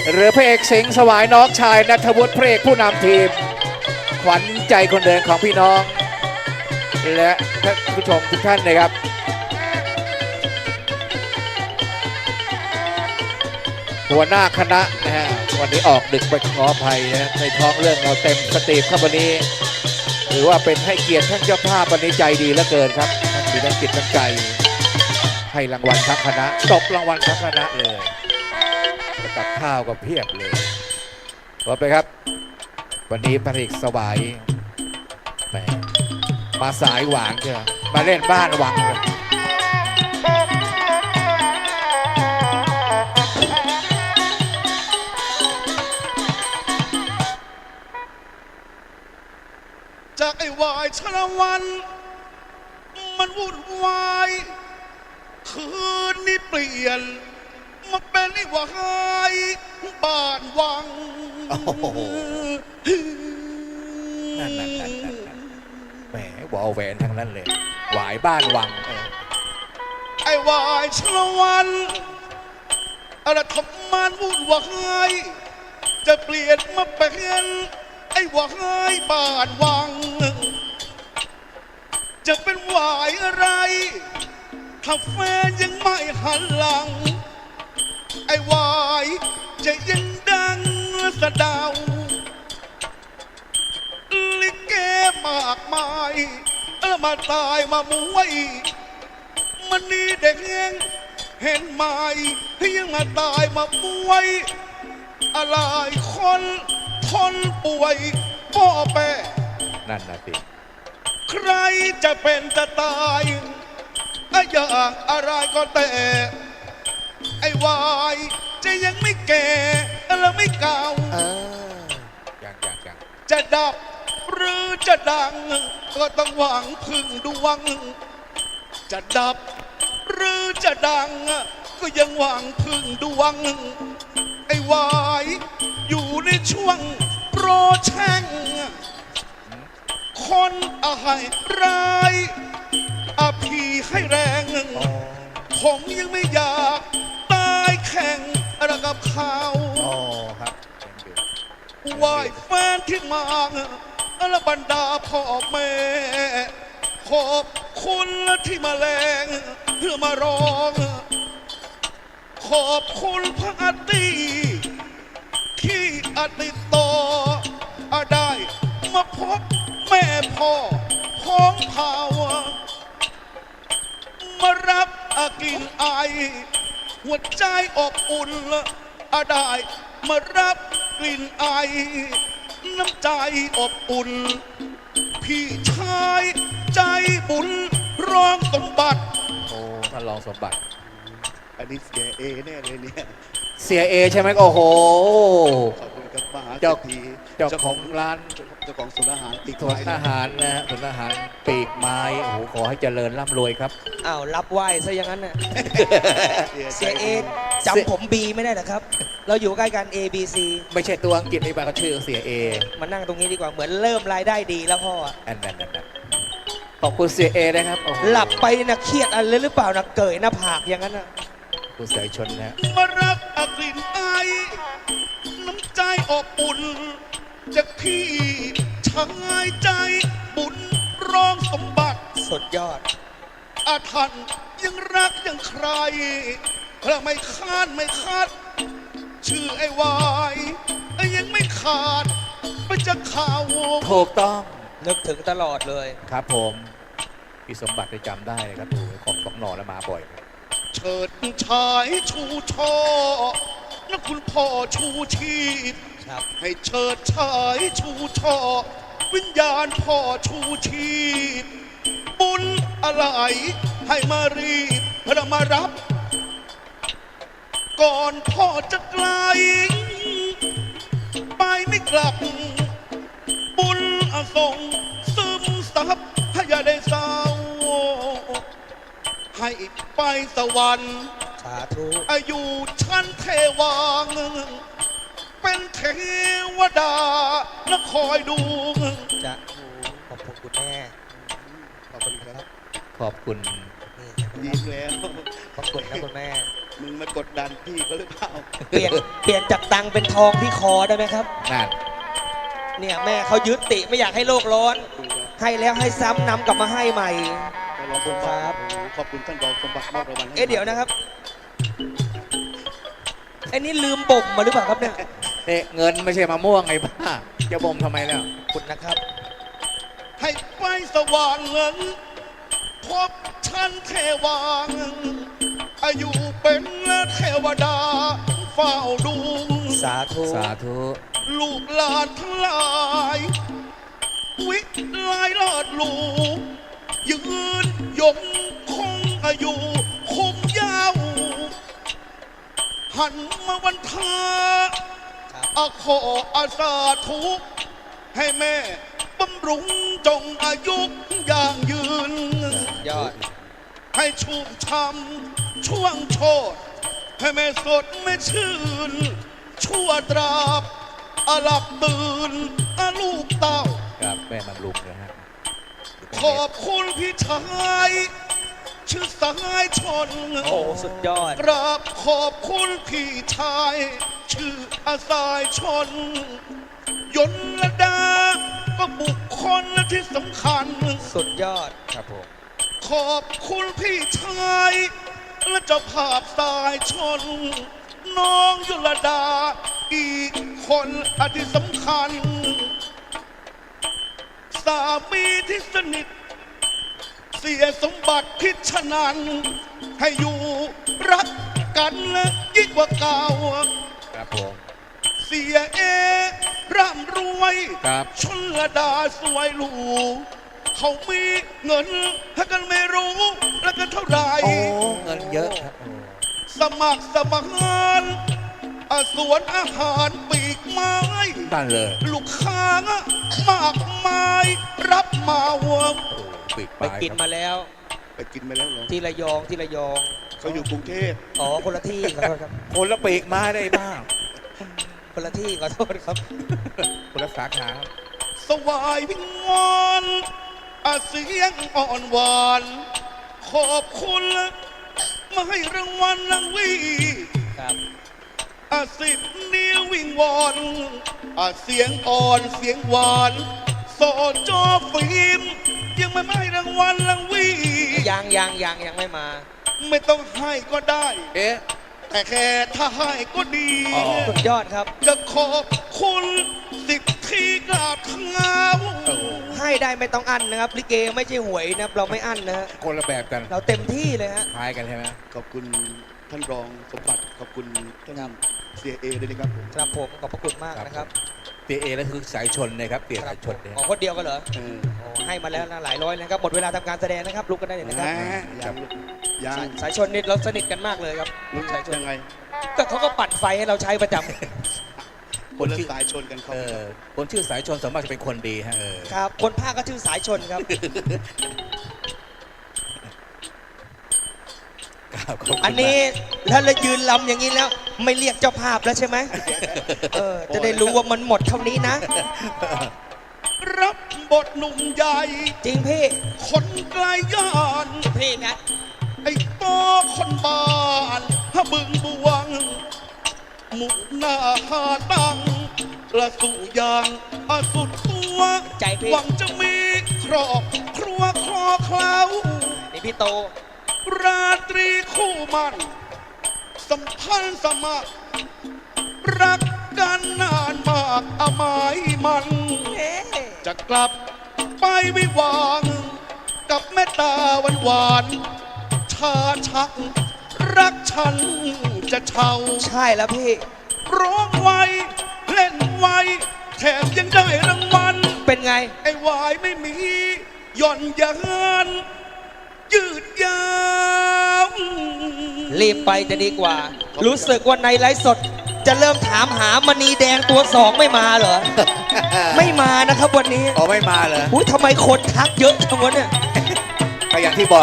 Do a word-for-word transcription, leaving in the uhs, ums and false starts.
หรือพระเอกสิงห์สวายน้องชายณัฐวุฒิพระเอกผู้นำทีมขวัญใจคนเดินของพี่น้องและท่านผู้ชมทุกท่านนะครับหัวหน้าคณะนะฮะวันนี้ออกดึกไปขออภัยนะในท้องเรื่องเราเต็มสตรีมครับวันนี้ถือว่าเป็นให้เกียรติท่านเจ้าภาพวันนี้ใจดีเหลือเกินครับท่านมีน้ำจิตน้ำใจให้รางวัลทั้งคณะตบรางวัลทั้งคณะเลยกับข้าวก็เพียบเลยขอไปครับวันนี้พระเอกสวายแหมมาสายหวานเชียวมาเล่นบ้านหวังเลยจากไอ้วายชลวันมันวุ่นวายคืนนี้เปลี่ยนมาเป็นไอ้วายบ้านวังนั่นนั่นนั่นนั่นแหมวอลแหวนทั้งนั้นเลยหวายบ้านวังไอ้วายชลวันอะไรทำมันวุ่นวายจะเปลี่ยนมาเป็นไอ้วายบ้านวังจะเป็นวายอะไรถ้าแฟนยังไม่หันหลังไอ้วายจะยังดังสะดาวลิเกมากมายเออมาตายมามวยมันนี่เด็กยังเห็นไหมยังมาตายมามวยอะไรคนทนป่วยพ่อแม่นั่นนะสิใครจะเป็นจะตายอย่างอะไรก็แต่ไอ้วายจะยังไม่แก่และไม่เก่ายังยังยังจะดับหรือจะดังก็ต้องหวังพึ่งดวงจะดับหรือจะดังก็ยังหวังพึ่งดวงไอ้วายอยู่ในช่วงโปรแช่งคนอะไรร้ายอาพีให้แรงผมยังไม่อยากตายแข่งอะไรกับเขาไหวแฟนที่มาและบรรดาพ่อแม่ขอบคุณที่มาแรงเพื่อมาร้องขอบคุณพระอาตีที่อติโตได้มาพบแม่พ่อพ้องเผามารับอากินไอหัวใจอบอุ่นอาได้มารับกลิ่นไอน้ำใจอบอุ่นพี่ชายใจบุญรองสมบัติโอ้ท่านรองสมบัติอันนี้เสียเอแน่เลยเนี่ยเสียเอใช่ไหมโอ้โหขอบคุณกับมหาเจ้าทีเจ้าของร้านเจ้าของศูนย์อาหารปีกศูนย์อาหารนะศูนย์อาหารปีกไม้โอ้โหขอให้เจริญร่ำรวยครับอ้าวรับไหวซะอย่างนั้นน่ะเสียเอจำผมบีไม่ได้หรอครับเราอยู่ใกล้กัน A B C ไม่ใช่ตัวอังกฤษนี่ป่ะเขาชื่อเสียเอมานั่งตรงนี้ดีกว่าเหมือนเริ่มรายได้ดีแล้วพ่ออันนั้นนั่นขอบคุณเสียเอนะครับหลับไปนะเครียดอะไรหรือเปล่านะเกยหน้าผากอย่างนั้นนะคุณสายชนนะมารับอกลิ่นไอน้ำใจอบอุ่นจากพี่ชายใจบุญรองสมบัติสุดยอดอาทันยังรักยังใครและไม่คาดไม่คาดชื่อไอ้วายยังไม่ขาดไปจะข่าวถูกต้องนึกถึงตลอดเลยครับผมพี่สมบัติได้จำได้ครับดูของสองหน่อแล้วมาบ่อยเฉิดชายชูช่อนักคุณพ่อชูชีพให้เฉิดชายชูช่อวิญญาณพ่อชูชีพบุญอะไรให้มารีบพระมารับก่อนพ่อจะไกลไปไม่กลับบุญอาส่งซึมซับให้อย่าได้เศร้าให้ไปสวรรค์สาธุอายุชั้นเทวังเป็นเทวดาและคอยดูจะขอบคุณคุณแม่ขอบคุณครับขอบคุณยิ้มแล้วขอบคุณนะคุณแม่มึงมากดดันพี่เขาหรือเปล่าเปลี่ยนเปลี่ยนจากตังค์เป็นทองที่คอได้ไหมครับนั่นเนี่ยแม่เขายึดติไม่อยากให้โลกร้อน ให้แล้วให้ซ้ำนำกลับมาให้ใหม่ไปรองสมบัติครับขอบคุณท่านรองสมบัติมอบรางวัลให้เอ๊ะเดี๋ยวนะครับไอ้นี่ลืมบ่มมาหรือเปล่าครับเนี่ยเนี่ยเงินไม่ใช่มะม่วงไงบ้าจะบ่มทำไมแล้วขอบคุณนะครับให้ไฟสว่างเงินพบฉันเทวางอายุเป็นเทวดาเฝ้าดูสาธุสาธุลูกหลานทั้งหลายวิไลลอดลูยืนยงคงอายุคงยาวหันมาวันทาอาขออาสาทุกให้แม่บำรุงจงอายุอย่างยืนยอดให้ชุ่มช่ำช่วงโชดให้แม่สดแม่ชื่น ชั่วตราบอาหลับตื่นอาลูกเต้าครับแม่บำรุงนะฮะขอบคุณพี่ชายชื่อสายชนโอ้สุดยอดกราบขอบคุณพี่ชาย ชื่ออาสายชน ยนลดาก็บุคคลที่สำคัญสุดยอดครับผมขอบคุณพี่ชาย และเจ้าภาพสายชน น้องยุลดา อีกคนอที่สำคัญ สามีที่สนิท เสียสมบัติพิชนัน ให้อยู่รักกันและยิ่งกว่าเก่าครับผมเสียเอร่ำรวยครับชนละดาสวยหรูเขามีเงินถ้ากันไม่รู้ แล้วกันเท่าไหร่โอ้เงินเยอะครับโอ้สมัครสมานอาสวนอาหารปีกไม้นั่นเลยลูกค้ามากมายรับมาหัวโอ้ปิดไปปลายกินครับมาแล้วไปกินมาแล้วเหรอที่ระยองที่ระยองเขาอยู่กรุงเทพอ๋อคนละที่ขอโทษครับคนละปีกมาได้บ้างคนละที่ขอโทษครับคนละสาขาครับสวายวิงวอนอาเสียงอ่อนหวาน ขอบคุณมาให้รางวัลนางวีครับอาสิบนิ้ววิงวอนอาเสียงอ่อนเสียงหวานสอจอฟิล์มยังไม่ให้รางวัลนางวียังยังยังยังไม่มาไม่ต้องให้ก็ได้เอ๊ะแต่แค่ถ้าให้ก็ดีอ๋อสุดยอดครับจะขอบคุณสิบที่กราบเท้าโอ้โหให้ได้ไม่ต้องอั้นนะครับ ลิเกไม่ใช่หวยนะครับ เราไม่อั้นนะฮะคนละแบบกันเราเต็มที่เลยฮะคล้ายกันใช่ไหมขอบคุณท่านรองสมบัติ ขอบคุณท่านเสียเอด้วยนะครับผมครับผมขอบพระคุณมากนะครับเตียเอแล้วคือสายชนนะครับเตียครัสาบยชนเนี่ยอ๋อคนเดียวกันเหรอเออโอ้ให้มาแล้วนะหลายร้อยนะครับ หมดเวลาทำการแสดงนะครับ ลุกกันได้เลยนะครับนะยังยังสายสายชนนี่เราสนิทกันมากเลยครับรู้สายชนยังไงก็เขาก็ปั่นไฟให้เราใช้ประจำคนละสายชนกันเขาเออคนชื่อสายชนสามารถจะเป็นคนดีฮะเออครับ คนภาคก็ชื่อสายชนครับครับขบคุณอันนี้ถ้าเรายืนลำอย่างนี้แล้ว ไม่เรียกเจ้าภาพแล้วใช่ไหมเออ จะได้รู้ว่ามันหมดเท่านี้นะรับบทหนุ่มใหญ่จริงพี่คนไกลย่านพี่นะไอ้โตคนบ้านฮะบึงบวง หมุกหน้าหาตังละสู่ยางอาสุดตัวใจพี่หวังจะมีครอบครัวคลอเคล้านี่พี่โตราตรีคู่มัน สัมพันธ์สมัคร รักกันนานมากอาหมายมันเอ๊ะจะกลับไปวิวางกับแม่ตาหวานหวานๆชาชัก รักฉันจะเช่าใช่แล้วพี่ร้องไวเล่นไวแถมยังได้รางวัลเป็นไงไอ้วายไม่มีหย่อนยานยืดยาวรีบไปจะดีกว่า รู้สึกว่าในไลฟ์สด จะเริ่มถามหามณีแดงตัวสองไม่มาเหรอ ไม่มานะครับวันนี้อ๋อไม่มาเลยอุ้ยทำไมคนทักเยอะจังวะเนี่ยก็อย่างที่บอก